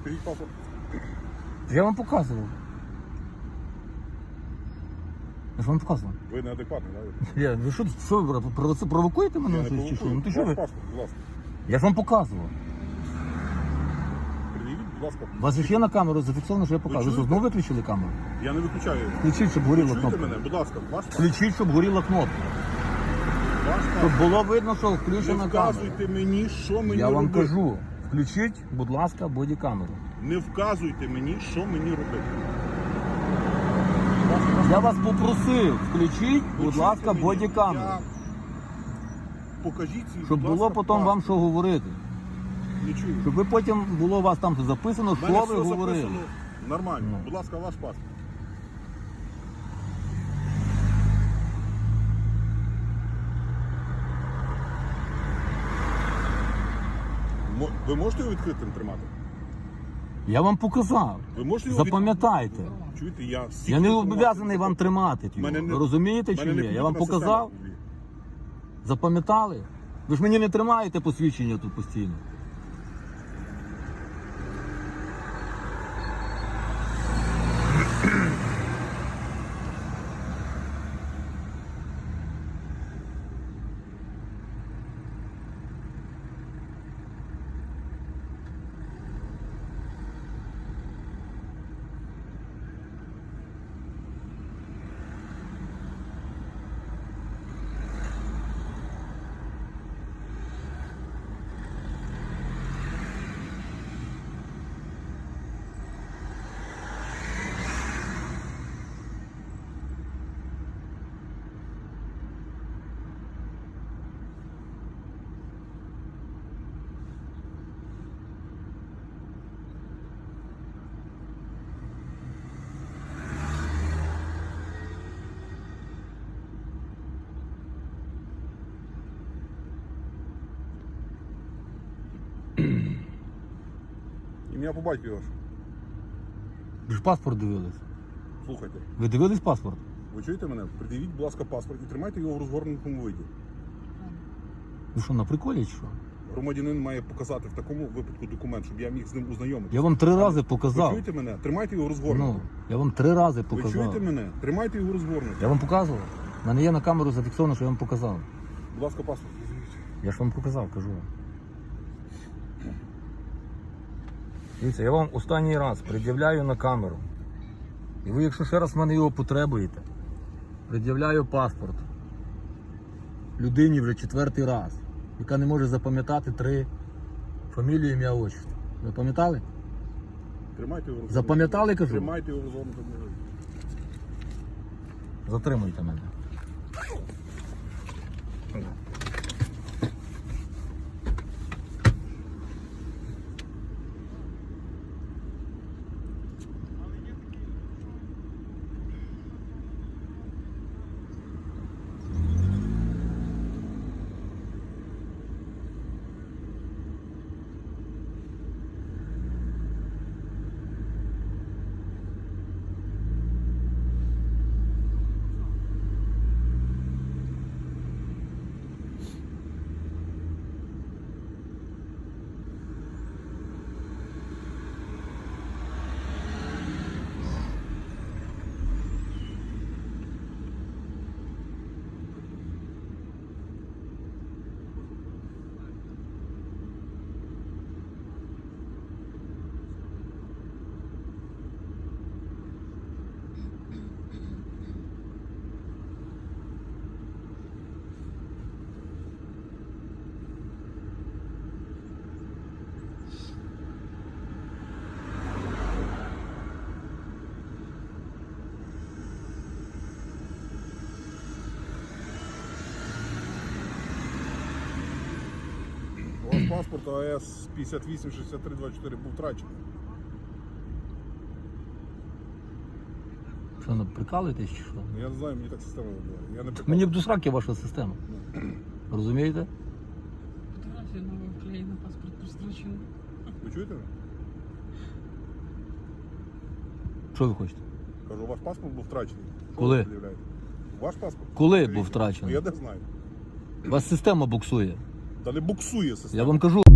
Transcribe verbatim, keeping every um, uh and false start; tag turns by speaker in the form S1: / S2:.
S1: Покажіть паспорт.
S2: Я вам показував. Я ж вам показував.
S1: Ви неадекватний, так?
S2: Я, ви що, що ви провоци- провокуєте мене?
S1: Я не
S2: щось чи що?
S1: провокую.
S2: Ну ти що
S1: Ваш
S2: ви?
S1: паспорт, будь ласка.
S2: Я ж вам показував.
S1: Пред'явіть, будь ласка.
S2: У вас же ж є на камеру зафіксовано, що я показую. Ви що,
S1: чуєте?
S2: знову виключили камеру?
S1: Я не виключаю.
S2: Включіть, щоб
S1: Ви
S2: горіла
S1: чуєте
S2: кнопка.
S1: мене? Будь ласка, ваш паспорт.
S2: Включіть, щоб горіла кнопка.
S1: Ваш
S2: Щоб
S1: паспорт.
S2: було видно, що
S1: Не
S2: включена камера.
S1: вказуйте мені, що мені
S2: Я вам
S1: робити.
S2: кажу, включіть, будь ласка, бодікамеру.
S1: Не вказуйте мені, що мені робити.
S2: Я вас попросив, включіть,
S1: Ви
S2: будь
S1: чуєте
S2: ласка,
S1: мене?
S2: бодікамеру.
S1: Я- Покажіть свій,
S2: Щоб
S1: будь
S2: було
S1: ласка,
S2: потім вам
S1: паспорт.
S2: що говорити.
S1: Не чую.
S2: Щоб ви потім було у вас там записано,
S1: У мене
S2: що
S1: все
S2: ви говорили.
S1: записано нормально.
S2: Ну.
S1: Будь ласка, ваш паспорт. Мо- Ви можете його відкритим тримати?
S2: Я вам показав.
S1: Ви можете його
S2: Запам'ятайте.
S1: від- Чуєте, я всіх
S2: Я не
S1: інформацій
S2: зобов'язаний вам
S1: запитую.
S2: тримати. його.
S1: Мене не-
S2: Ви розумієте
S1: Мене
S2: чи
S1: не
S2: ні? Я вам
S1: комп'ютерна
S2: показав.
S1: система.
S2: Запам'ятали? Ви ж мені не тримаєте посвідчення тут постійно.
S1: Ім'я по батькові ваше.
S2: Ви ж паспорт дивились.
S1: Слухайте.
S2: Ви дивились паспорт?
S1: Ви чуєте мене? Придивіть, будь ласка, паспорт і тримайте його в розгорнутому виді.
S2: Ви що, на приколі чи що?
S1: Громадянин має показати в такому випадку документ, щоб я міг з ним ознайомитися.
S2: Я вам три рази
S1: Ви
S2: показав.
S1: чуєте мене? Тримайте його
S2: Ну,
S1: розгорнутим.
S2: я вам три рази
S1: Ви
S2: показав.
S1: чуєте мене? Тримайте його розгорнутим.
S2: Я вам показував. У мене є на камеру зафіксовано, що я вам показав.
S1: Будь ласка, паспорт візьміть.
S2: Я ж вам показав, кажу вам. Дивіться, я вам останній раз пред'являю на камеру. І ви, якщо ще раз в мене його потребуєте, пред'являю паспорт людині вже четвертий раз, яка не може запам'ятати три фамілії, ім'я, отчество. Ви пам'ятали?
S1: Тримайте його розгорнутим.
S2: Запам'ятали, кажу?
S1: Тримайте його розгорнутим виді.
S2: Затримуйте мене.
S1: У вас паспорт АЕС п'ятдесят вісім шістдесят три двадцять чотири був втрачений.
S2: Що, ну, прикалуєтесь чи що?
S1: Я не знаю, мені так система вибирає. Я не прикалую.
S2: Мені б до сраки ваша система. Розумієте?
S3: Фотографія нова вклеєна, паспорт прострочений.
S1: Ви чуєте мене?
S2: Що ви хочете?
S1: Кажу, ваш паспорт був втрачений. Що
S2: Коли?
S1: ви пред'являєте? Ваш паспорт?
S2: Коли
S1: Скажіть.
S2: був втрачений?
S1: Ну, я не знаю.
S2: У вас система буксує.
S1: Та не буксує система.
S2: Я вам кажу.